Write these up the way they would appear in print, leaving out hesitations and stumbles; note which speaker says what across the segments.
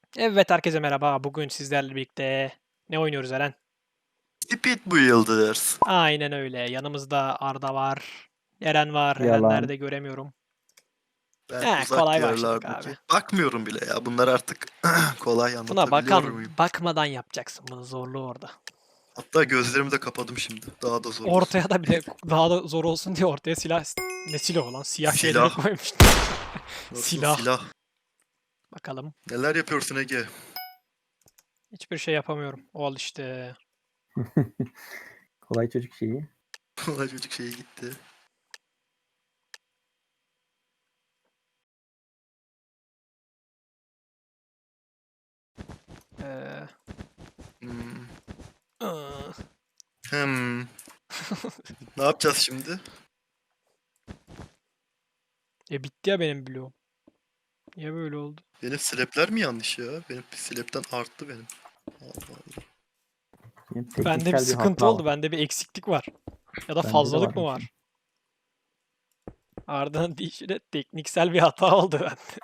Speaker 1: Evet, herkese merhaba. Bugün sizlerle birlikte ne oynuyoruz Eren?
Speaker 2: Speed Builders.
Speaker 1: Aynen öyle. Yanımızda Arda var. Eren var. Eren
Speaker 3: Yalan.
Speaker 1: nerede göremiyorum.
Speaker 2: Ben uzak
Speaker 1: Kolay başladık abi.
Speaker 2: diyarlardaki. Bakmıyorum bile ya. Bunlar artık kolay
Speaker 1: Buna
Speaker 2: anlatabiliyor muyum?
Speaker 1: bakmadan yapacaksın. Bunun zorluğu orada.
Speaker 2: Hatta gözlerimi de kapadım şimdi. Daha da zor olsun.
Speaker 1: Ortaya da bir de daha da zor olsun diye ortaya silah... Ne silahı lan? Siyah şeyleri
Speaker 2: Silah.
Speaker 1: koymuş.
Speaker 2: Nasıl
Speaker 1: Silah.
Speaker 2: silah.
Speaker 1: Bakalım.
Speaker 2: Neler yapıyorsun Ege?
Speaker 1: Hiçbir şey yapamıyorum. Ol işte.
Speaker 3: Kolay çocuk şeyi.
Speaker 2: Kolay çocuk şeyi gitti.
Speaker 1: Ee,
Speaker 2: Hmm.
Speaker 1: ıı.
Speaker 2: Hmm. Ne yapacağız şimdi?
Speaker 1: Bitti ya benim bloğum. Niye böyle oldu?
Speaker 2: Benim slap'ler mi yanlış ya? Benim slap'ten arttı benim. Allah Allah.
Speaker 3: Benim
Speaker 1: Bende bir
Speaker 3: tekniksel
Speaker 1: sıkıntı
Speaker 3: hata
Speaker 1: oldu.
Speaker 3: var.
Speaker 1: Bende bir eksiklik var. Ya da
Speaker 3: Bende de
Speaker 1: fazlalık mı
Speaker 3: var.
Speaker 1: var? Arda'nın deyişiyle tekniksel bir hata oldu bende.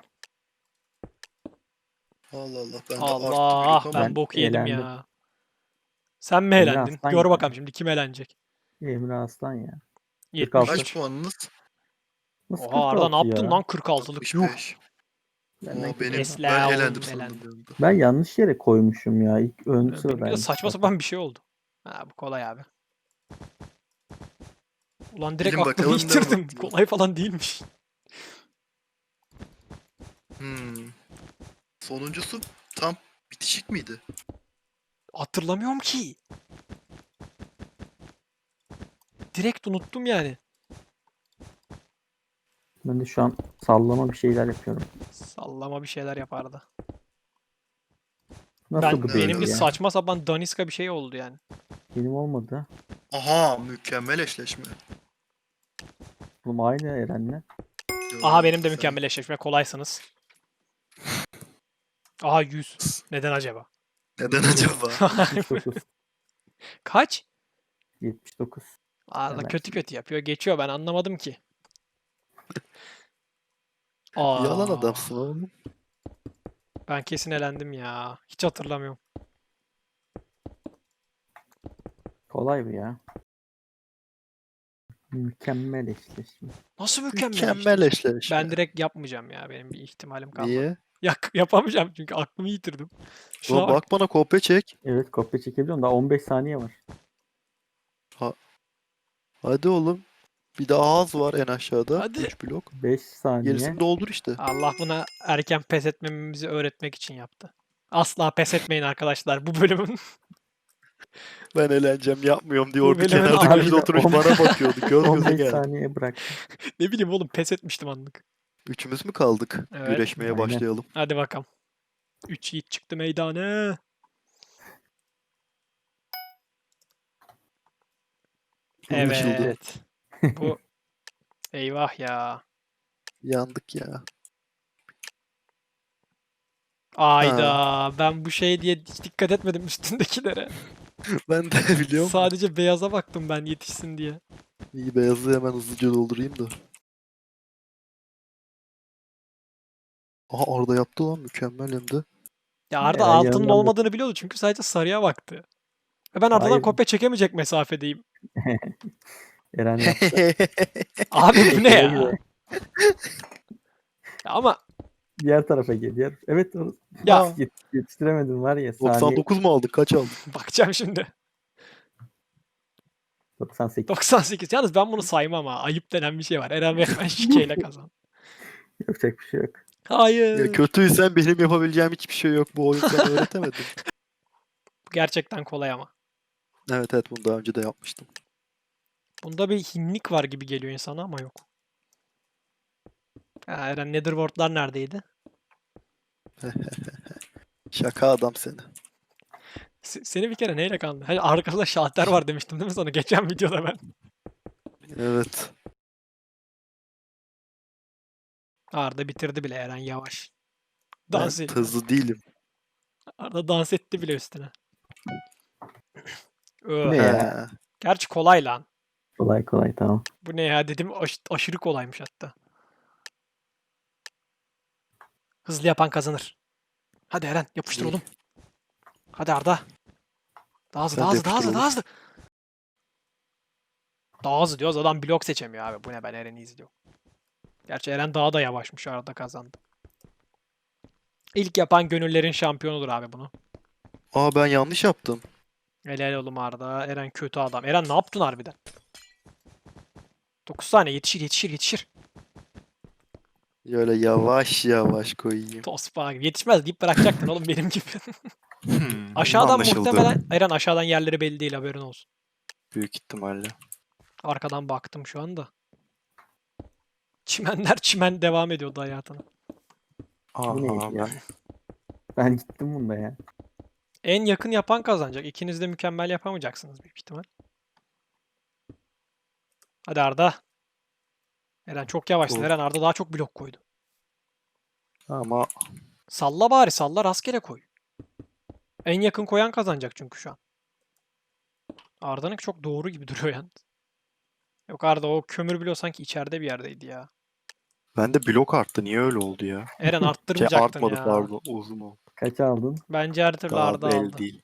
Speaker 2: Allah Allah. Bende arttı
Speaker 1: Allah,
Speaker 2: blok ama.
Speaker 1: ben
Speaker 3: Ben
Speaker 1: bok yedim
Speaker 3: eğlendim.
Speaker 1: ya. Sen mi
Speaker 3: Emre
Speaker 1: eğlendin?
Speaker 3: Aslan
Speaker 1: Gör
Speaker 3: ya.
Speaker 1: bakalım şimdi kim eğlenecek?
Speaker 3: Emre Aslan ya.
Speaker 1: 73.
Speaker 3: 46.
Speaker 2: Kaç puanınız?
Speaker 3: Nasıl
Speaker 1: Oha Arda ne
Speaker 3: 46
Speaker 1: yaptın
Speaker 3: ya?
Speaker 1: lan 46'lık? Yuh.
Speaker 2: 65.
Speaker 3: Benden
Speaker 2: Oo,
Speaker 3: kötü.
Speaker 2: ben
Speaker 1: Esla
Speaker 2: eğlendim
Speaker 1: oğlum,
Speaker 2: sandım
Speaker 1: eğlendim.
Speaker 2: bir anda.
Speaker 3: Ben yanlış yere koymuşum ya. İlk ön
Speaker 1: Benimki de
Speaker 3: sıradaymış.
Speaker 1: saçma sapan bir şey oldu. Ha bu kolay abi. Ulan direkt
Speaker 2: Bilin
Speaker 1: aklımı
Speaker 2: bakalım ne
Speaker 1: yitirdim.
Speaker 2: oldu?
Speaker 1: Kolay falan değilmiş.
Speaker 2: Sonuncusu tam bitişik miydi?
Speaker 1: Hatırlamıyorum ki. Direkt unuttum yani.
Speaker 3: Ben de şu an sallama bir şeyler yapıyorum.
Speaker 1: Sallama bir şeyler yapardı.
Speaker 3: Nasıl bu değil
Speaker 1: Benimki
Speaker 3: ya?
Speaker 1: saçma sapan daniska bir şey oldu yani.
Speaker 3: Benim olmadı.
Speaker 2: Aha, mükemmel eşleşme.
Speaker 3: Oğlum aynı Eren'le.
Speaker 1: Aha benim de
Speaker 2: Sen-
Speaker 1: mükemmel eşleşme. Kolaysınız. Aha 100. Neden acaba?
Speaker 2: Neden acaba?
Speaker 3: 79.
Speaker 1: Kaç?
Speaker 3: 79.
Speaker 1: Arda
Speaker 3: Hemen.
Speaker 1: kötü kötü yapıyor. Geçiyor, ben anlamadım ki.
Speaker 2: Yalan
Speaker 1: Aa,
Speaker 2: adamsın oğlum.
Speaker 1: ben kesin elendim ya. Hiç hatırlamıyorum.
Speaker 3: Kolay bu ya. Mükemmel eşleşme.
Speaker 1: Nasıl mükemmel
Speaker 2: Mükemmel
Speaker 1: eşleşme?
Speaker 2: eşleşme.
Speaker 1: Ben direkt yapmayacağım ya. Benim bir ihtimalim kalmadı.
Speaker 2: Niye?
Speaker 1: Yapamayacağım çünkü aklımı yitirdim. Şuna
Speaker 2: Ulan
Speaker 1: bak.
Speaker 2: bak bana kopya çek.
Speaker 3: Evet, kopya çekebiliyorum. Daha 15 saniye var.
Speaker 2: Hadi oğlum. Bir daha ağız var en aşağıda.
Speaker 1: Hadi.
Speaker 2: 3 blok.
Speaker 3: 5 saniye.
Speaker 2: Gerisini doldur işte.
Speaker 1: Allah buna erken pes etmemizi öğretmek için yaptı. Asla pes etmeyin arkadaşlar. Bu bölümün
Speaker 2: Ben eğleneceğim yapmıyorum diye
Speaker 1: Bu
Speaker 2: orada
Speaker 1: bölümün
Speaker 2: kenarda
Speaker 1: abi-
Speaker 2: köşede oturmuş bana bakıyordu. Göz göze
Speaker 3: 15
Speaker 2: geldi.
Speaker 3: saniye bırak.
Speaker 1: ne bileyim oğlum, pes etmiştim anlık.
Speaker 2: Üçümüz mü kaldık?
Speaker 1: Evet.
Speaker 2: Güreşmeye
Speaker 3: Aynen.
Speaker 2: başlayalım.
Speaker 1: Hadi bakalım. 3 yiğit çıktı meydana.
Speaker 2: Anlaşıldı.
Speaker 1: Evet. Bu eyvah ya.
Speaker 2: Yandık ya.
Speaker 1: Ayda ben bu şey diye hiç dikkat etmedim üstündekilere.
Speaker 2: Ben de biliyorum.
Speaker 1: Sadece beyaza baktım ben yetişsin diye.
Speaker 2: İyi, beyazı hemen hızlıca doldurayım da. Aha, orada yaptı lan, mükemmel hem de.
Speaker 1: Ya Arda
Speaker 3: Eren
Speaker 1: altının
Speaker 3: yanından
Speaker 1: olmadığını biliyordu çünkü sadece sarıya baktı. Ve ben Arda'dan
Speaker 3: Hayır.
Speaker 1: kopya çekemeyecek mesafedeyim.
Speaker 3: Eren yaptı.
Speaker 1: Abi bu ne
Speaker 3: Güle
Speaker 1: ya?
Speaker 3: güle.
Speaker 1: Ya ama
Speaker 3: Diğer tarafa gel. Evet, orası.
Speaker 1: ya
Speaker 3: Yetiştiremedim var ya. Saniye
Speaker 2: 99 mu aldık? Kaç aldık?
Speaker 1: bakacağım şimdi.
Speaker 3: 98.
Speaker 1: 98. Yalnız ben bunu saymam ha. Ayıp denen bir şey var. Eren resmen şikeyle kazan.
Speaker 3: Yapacak bir şey yok.
Speaker 1: Hayır.
Speaker 2: Ya kötüysen benim yapabileceğim hiçbir şey yok. Bu oyun sana öğretemedim.
Speaker 1: Bu gerçekten kolay ama.
Speaker 2: Evet evet, bunu daha önce de yapmıştım.
Speaker 1: Bunda bir hinlik var gibi geliyor insana ama yok. Ya Eren, Netherworld'lar neredeydi?
Speaker 2: Şaka adam seni.
Speaker 1: Seni bir kere neyle kandırdı? Hani arkada şalter var demiştim değil mi sana? Geçen videoda ben.
Speaker 2: Evet.
Speaker 1: Arda bitirdi bile, Eren yavaş.
Speaker 2: Ben
Speaker 1: Dans ediyor.
Speaker 2: hızlı değilim.
Speaker 1: Arda dans etti bile üstüne.
Speaker 3: Bu ne
Speaker 2: He.
Speaker 3: ya?
Speaker 1: Gerçi kolay lan.
Speaker 3: Kolay kolay, tamam.
Speaker 1: Bu ne ya dedim, aşırı kolaymış hatta. Hızlı yapan kazanır. Hadi Eren yapıştır
Speaker 2: İyi.
Speaker 1: oğlum. Hadi Arda. Daha hızlı,
Speaker 2: Sen
Speaker 1: daha
Speaker 2: de
Speaker 1: hızlı, daha
Speaker 2: yapıştır
Speaker 1: hızlı, daha
Speaker 2: oğlum.
Speaker 1: hızlı. Daha hızlı diyoruz. Adam blok seçemiyor abi. Bu ne, ben Eren'i izliyorum. Gerçi Eren daha da yavaşmış. Arda kazandı. İlk yapan gönüllerin şampiyonudur abi bunu.
Speaker 2: Aa ben yanlış yaptım.
Speaker 1: Helal oğlum Arda. Eren kötü adam. Eren ne yaptın harbiden? 9 saniye yetişir, yetişir, yetişir.
Speaker 2: Şöyle yavaş yavaş koyayım.
Speaker 1: Tospa gibi. Yetişmez deyip bırakacaktın oğlum benim gibi. Aşağıdan
Speaker 2: Anlaşıldı.
Speaker 1: muhtemelen Eren, aşağıdan yerleri belli değil, haberin olsun.
Speaker 2: Büyük ihtimalle.
Speaker 1: Arkadan baktım şu anda. Çimenler çimen devam ediyordu hayatına.
Speaker 3: Bu neydi
Speaker 2: Aha
Speaker 3: ya?
Speaker 2: ben.
Speaker 3: Ben gittim bunda ya.
Speaker 1: En yakın yapan kazanacak. İkiniz de mükemmel yapamayacaksınız büyük ihtimal. Hadi Arda. Eren çok yavaşsın.
Speaker 2: Dur.
Speaker 1: Eren, Arda daha çok blok koydu.
Speaker 2: Ama
Speaker 1: Salla bari, salla, rastgele koy. En yakın koyan kazanacak çünkü şu an. Arda'nınki çok doğru gibi duruyor yani. Yok Arda, o kömür bloğu sanki içeride bir yerdeydi ya.
Speaker 2: bende blok arttı. Niye öyle oldu ya?
Speaker 1: Eren
Speaker 2: Şey
Speaker 1: arttırmayacaktın
Speaker 2: artmadı
Speaker 1: ya.
Speaker 2: pardon. Uzun oldu.
Speaker 3: Kaç aldın?
Speaker 1: Bence her türlü
Speaker 2: Daha
Speaker 1: Arda
Speaker 2: belli
Speaker 1: aldı.
Speaker 2: değil.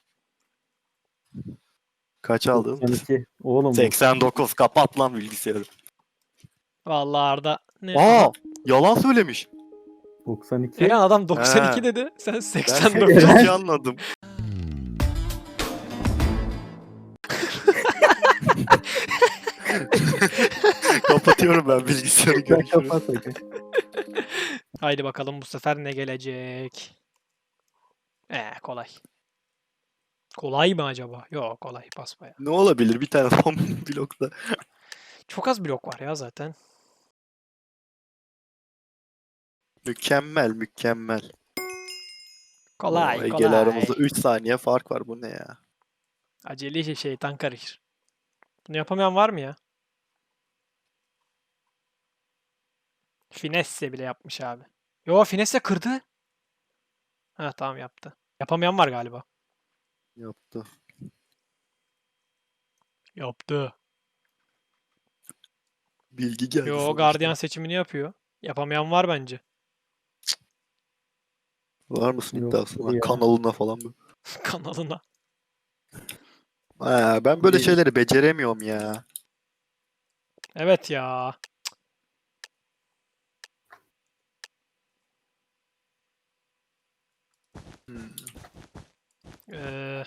Speaker 2: Kaç aldın?
Speaker 3: 92. Oğlum bu.
Speaker 2: 89. Kapat lan bilgisayarı.
Speaker 1: Vallahi Arda. Ne?
Speaker 2: Aa!
Speaker 1: Aha.
Speaker 2: Yalan söylemiş.
Speaker 3: 92.
Speaker 1: Eren, adam 92
Speaker 2: He.
Speaker 1: dedi. Sen
Speaker 2: Ben
Speaker 1: 89.
Speaker 2: 82 anladım. Kapatıyorum ben bilgisayarı,
Speaker 3: Sen
Speaker 2: görüşürüz.
Speaker 3: kapat hadi.
Speaker 1: Haydi bakalım bu sefer ne gelecek? Kolay. Kolay mı acaba? Yok, kolay basbaya.
Speaker 2: Ne olabilir bir tane son blokta?
Speaker 1: Çok az blok var ya zaten.
Speaker 2: Mükemmel mükemmel.
Speaker 1: Kolay
Speaker 2: Oo, Ege'yle
Speaker 1: kolay.
Speaker 2: aramızda 3 saniye fark var, bu ne ya?
Speaker 1: Acele şeytan karışır. Bunu yapamayan var mı ya? Finesse bile yapmış abi. Yo, Finesse kırdı. Ha tamam, yaptı. Yapamayan var galiba.
Speaker 2: Yaptı.
Speaker 1: Yaptı.
Speaker 2: Bilgi geldi
Speaker 1: Yo,
Speaker 2: sonuçta.
Speaker 1: gardiyan seçimini yapıyor. Yapamayan var bence.
Speaker 2: Var mısın
Speaker 3: Yok,
Speaker 2: iddiasına?
Speaker 3: ya.
Speaker 2: Kanalına falan mı?
Speaker 1: Kanalına.
Speaker 2: Ben böyle
Speaker 3: İyi.
Speaker 2: şeyleri beceremiyorum ya.
Speaker 1: Evet ya.
Speaker 2: Hmm.
Speaker 1: Ee,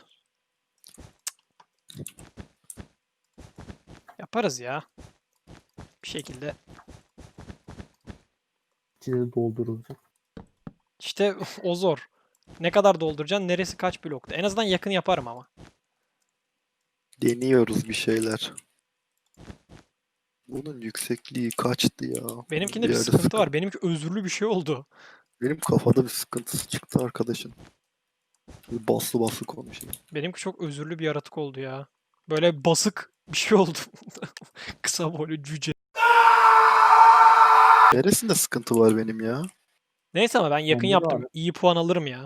Speaker 1: Yaparız ya. Bir şekilde.
Speaker 3: İçine doldurulacak.
Speaker 1: İşte o zor. Ne kadar dolduracaksın? Neresi kaç blokta? En azından yakın yaparım ama.
Speaker 2: Deniyoruz bir şeyler. Bunun yüksekliği kaçtı ya?
Speaker 1: Benimkinde bir
Speaker 2: yerde
Speaker 1: sıkıntı var. Benimki özürlü bir şey oldu.
Speaker 2: Benim kafada bir sıkıntısı çıktı arkadaşın. Baslı baslı konuşuyor.
Speaker 1: Benimki çok özürlü bir yaratık oldu ya. Böyle basık bir şey oldu. Kısa boylu cüce.
Speaker 2: Neresinde sıkıntı var benim ya?
Speaker 1: Neyse ama ben yakın
Speaker 3: Onda da
Speaker 1: yaptım.
Speaker 3: abi.
Speaker 1: İyi puan alırım ya.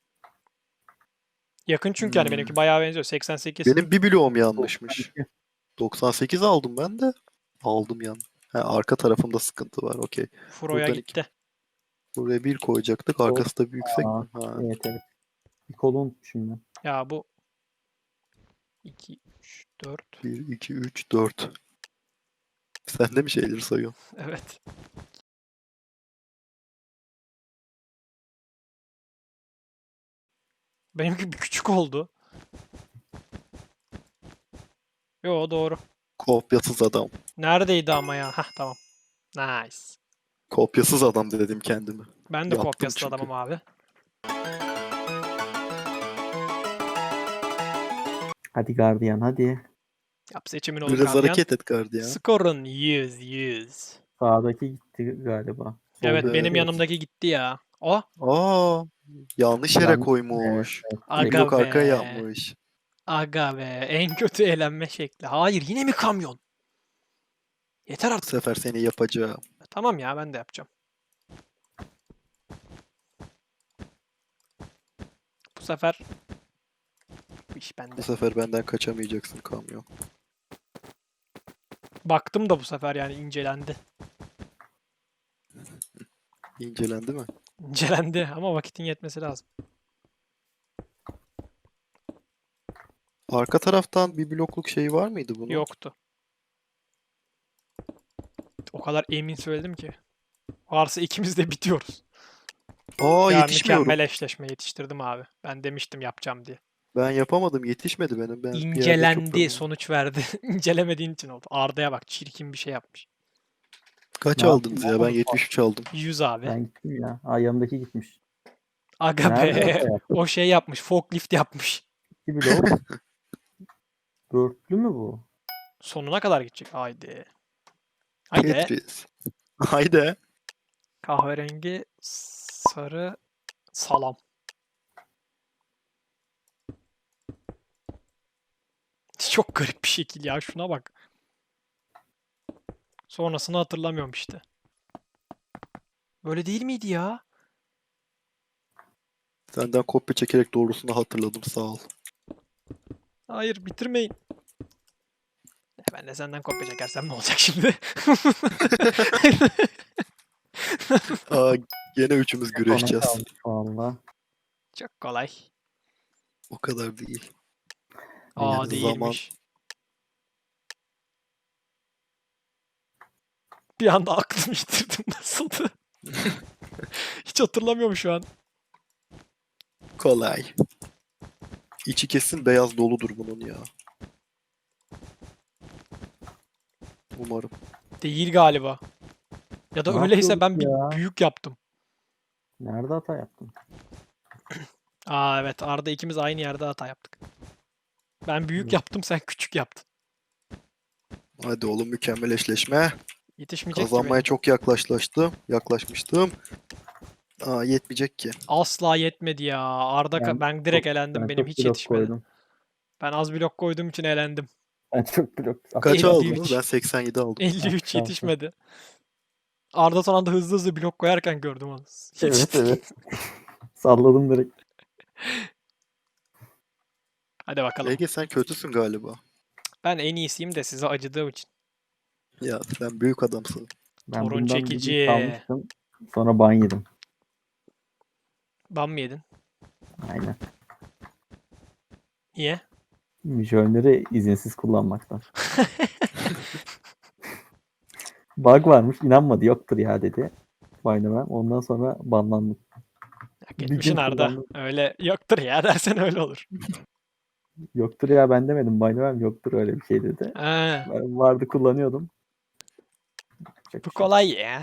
Speaker 1: Yakın çünkü hani benimki bayağı benziyor. 88.
Speaker 2: Benim bir bloğum yanlışmış.
Speaker 3: 92.
Speaker 2: 98 aldım ben de. Aldım yan. Arka tarafımda sıkıntı var. Okey.
Speaker 1: Furo'ya
Speaker 2: buradan
Speaker 1: gitti.
Speaker 2: Buraya bir koyacaktık. Arkası da bir yüksek
Speaker 3: Aa,
Speaker 2: mi? Ha.
Speaker 3: Evet evet. Bir kolu unutmuşum ben.
Speaker 1: Ya bu 2, 3, 4.
Speaker 2: 1, 2, 3, 4. Sen de mi şeyleri sayıyorsun?
Speaker 1: Evet. Benimki bir küçük oldu. Yo, doğru.
Speaker 2: Kopyasız adam.
Speaker 1: Neredeydi ama ya? Hah, tamam. Nice.
Speaker 2: Kopyasız adam dedim kendime.
Speaker 1: Ben de
Speaker 2: Yaptım
Speaker 1: kopyasız
Speaker 2: çünkü.
Speaker 1: adamım abi.
Speaker 3: Hadi gardiyan hadi.
Speaker 1: Yap seçimin oğlum
Speaker 2: Biraz
Speaker 1: gardiyan.
Speaker 2: hareket et gardiyan.
Speaker 1: Skorun 100.
Speaker 3: Sağdaki gitti galiba.
Speaker 1: Evet,
Speaker 3: Soldaki
Speaker 1: benim
Speaker 3: evet.
Speaker 1: yanımdaki gitti ya. O.
Speaker 2: Aa, yanlış yere
Speaker 3: Yanlış-
Speaker 2: koymuş.
Speaker 3: Evet,
Speaker 1: Aga
Speaker 2: Blok arkaya
Speaker 1: be.
Speaker 2: yapmış.
Speaker 1: Aga be. En kötü eğlenme şekli. Hayır, yine mi kamyon? Yeter
Speaker 2: Bu
Speaker 1: artık.
Speaker 2: sefer seni yapacağım.
Speaker 1: Tamam ya, ben de yapacağım. Bu sefer bu iş bende.
Speaker 2: Bu sefer benden kaçamayacaksın kamyon.
Speaker 1: Baktım da bu sefer yani incelendi.
Speaker 2: İncelendi mi?
Speaker 1: İncelendi ama vakitin yetmesi lazım.
Speaker 2: Arka taraftan bir blokluk şey var mıydı bunun?
Speaker 1: Yoktu. O kadar emin söyledim ki. Varsa ikimiz de bitiyoruz.
Speaker 2: Aa
Speaker 1: Ya
Speaker 2: yetişmiyorum.
Speaker 1: mükemmel eşleşme yetiştirdim abi. Ben demiştim yapacağım diye.
Speaker 2: Ben yapamadım. Yetişmedi benim. Ben bir yerde çok
Speaker 1: İncelendi,
Speaker 2: yorulmuşum.
Speaker 1: sonuç verdi. İncelemediğin için oldu. Arda'ya bak, çirkin bir şey yapmış.
Speaker 2: Kaç
Speaker 3: Ne
Speaker 2: aldınız
Speaker 3: yapayım
Speaker 2: ya? Ben
Speaker 3: oğlum?
Speaker 2: 73 aldım.
Speaker 1: 100 abi.
Speaker 3: Ben gittim ya. Aa, yanımdaki gitmiş.
Speaker 1: Aga
Speaker 3: Nerede
Speaker 1: be.
Speaker 3: hata yaptın?
Speaker 1: O şey yapmış. Forklift yapmış.
Speaker 3: 2 blok. Dörtlü mü bu?
Speaker 1: Sonuna kadar gidecek. Haydi. Haydi.
Speaker 2: Tetris. Haydi.
Speaker 1: Kahverengi, sarı, salam. Çok garip bir şekil ya. Şuna bak. Sonrasını hatırlamıyorum işte. Böyle değil miydi ya?
Speaker 2: Senden kopya çekerek doğrusunu hatırladım. Sağ ol.
Speaker 1: Hayır, bitirmeyin. Ben de senden kopya çekersem ne olacak şimdi?
Speaker 2: Aa, gene üçümüz
Speaker 3: Sona
Speaker 2: güreşeceğiz.
Speaker 3: kalmış valla.
Speaker 1: Çok kolay.
Speaker 2: O kadar değil.
Speaker 1: Aa,
Speaker 2: Yani
Speaker 1: değilmiş. Bir anda aklımı yitirdim, nasıldı? Hiç hatırlamıyorum şu an.
Speaker 2: Kolay. İçi kesin beyaz doludur bunun ya. Umarım.
Speaker 1: Değil galiba. Ya da
Speaker 3: Ne
Speaker 1: öyleyse ben
Speaker 3: yapıyorduk ya?
Speaker 1: bir büyük yaptım.
Speaker 3: Nerede hata yaptın?
Speaker 1: Aa evet, Arda ikimiz aynı yerde hata yaptık. Ben büyük
Speaker 3: Hı.
Speaker 1: yaptım, sen küçük yaptın.
Speaker 2: Hadi oğlum mükemmel eşleşme.
Speaker 1: Yetişmeyecek ki
Speaker 2: Kazanmaya
Speaker 1: benim.
Speaker 2: çok yaklaşmıştım. Aa yetmeyecek ki.
Speaker 1: Asla yetmedi ya. Ben direkt elendim.
Speaker 3: Ben
Speaker 1: Benim
Speaker 3: çok
Speaker 1: hiç
Speaker 3: blok
Speaker 1: yetişmedi.
Speaker 3: koydum.
Speaker 1: Ben az blok koyduğum için elendim.
Speaker 3: Ben çok blok.
Speaker 2: Kaç
Speaker 1: 53.
Speaker 2: aldınız? Ben 87 aldım.
Speaker 1: 53
Speaker 3: şansa.
Speaker 1: yetişmedi. Arda son anda hızlı hızlı blok koyarken gördüm onu.
Speaker 3: Evet evet. Salladım direkt.
Speaker 1: Hadi bakalım.
Speaker 2: Ege sen kötüsün galiba.
Speaker 1: Ben en iyisiyim de size acıdığım için.
Speaker 2: Ya sen büyük adamsın.
Speaker 3: Ben
Speaker 1: Torun
Speaker 3: bundan
Speaker 1: çekici.
Speaker 3: bir kalmıştım. Sonra ban yedim.
Speaker 1: Ban mı yedin?
Speaker 3: Aynen.
Speaker 1: Niye?
Speaker 3: Mijölleri izinsiz kullanmaktan. Bug varmış. İnanmadı. Yoktur ya dedi. Baynamen. Ondan sonra banlandım.
Speaker 1: Ya
Speaker 3: Bir
Speaker 1: geçmişin
Speaker 3: gün
Speaker 1: Arda.
Speaker 3: kullandım.
Speaker 1: Öyle yoktur ya dersen öyle olur.
Speaker 3: Yoktur ya ben demedim. Baynamen yoktur öyle bir şey dedi.
Speaker 1: Ha,
Speaker 3: Ben vardı kullanıyordum. Yapacak
Speaker 1: bu
Speaker 3: bir şey yok.
Speaker 1: kolay ya.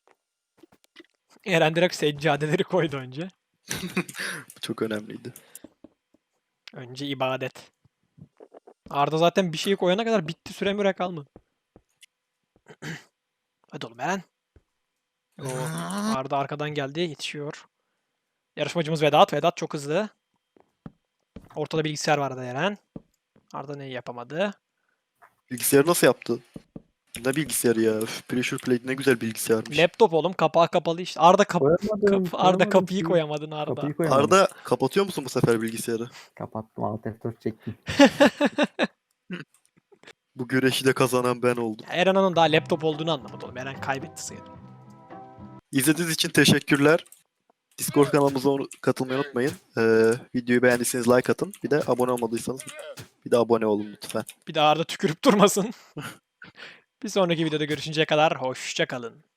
Speaker 1: Eren direkt seccadeleri koydu önce.
Speaker 2: Bu çok önemliydi.
Speaker 1: Önce ibadet. Arda zaten bir şeyi koyana kadar bitti, süre müre kalmadı. Hadi oğlum Eren. Oo, Arda arkadan geldi, yetişiyor. Yarışmacımız Vedat. Vedat çok hızlı. Ortada bilgisayar vardı Eren. Arda neyi yapamadı?
Speaker 2: Bilgisayarı nasıl yaptı? Ne bilgisayarı ya? Üf, Pressure Plate ne güzel bilgisayarmış.
Speaker 1: Laptop oğlum, kapağı kapalı işte. Arda
Speaker 3: Koyamadım.
Speaker 1: Arda kapıyı
Speaker 3: şeyi.
Speaker 1: koyamadın Arda.
Speaker 3: Kapıyı koyamadım.
Speaker 2: Arda kapatıyor musun bu sefer bilgisayarı?
Speaker 3: Kapattım. Alt F4 çektim.
Speaker 2: Bu güreşi de kazanan ben oldum.
Speaker 1: Eren onun daha laptop olduğunu anlamadı oğlum. Eren kaybetti sayılır.
Speaker 2: İzlediğiniz için teşekkürler. Discord kanalımıza katılmayı unutmayın. Videoyu beğendiyseniz like atın. Bir de abone olmadıysanız bir de abone olun lütfen.
Speaker 1: Bir daha Arda tükürüp durmasın. Bir sonraki videoda görüşünceye kadar hoşça kalın.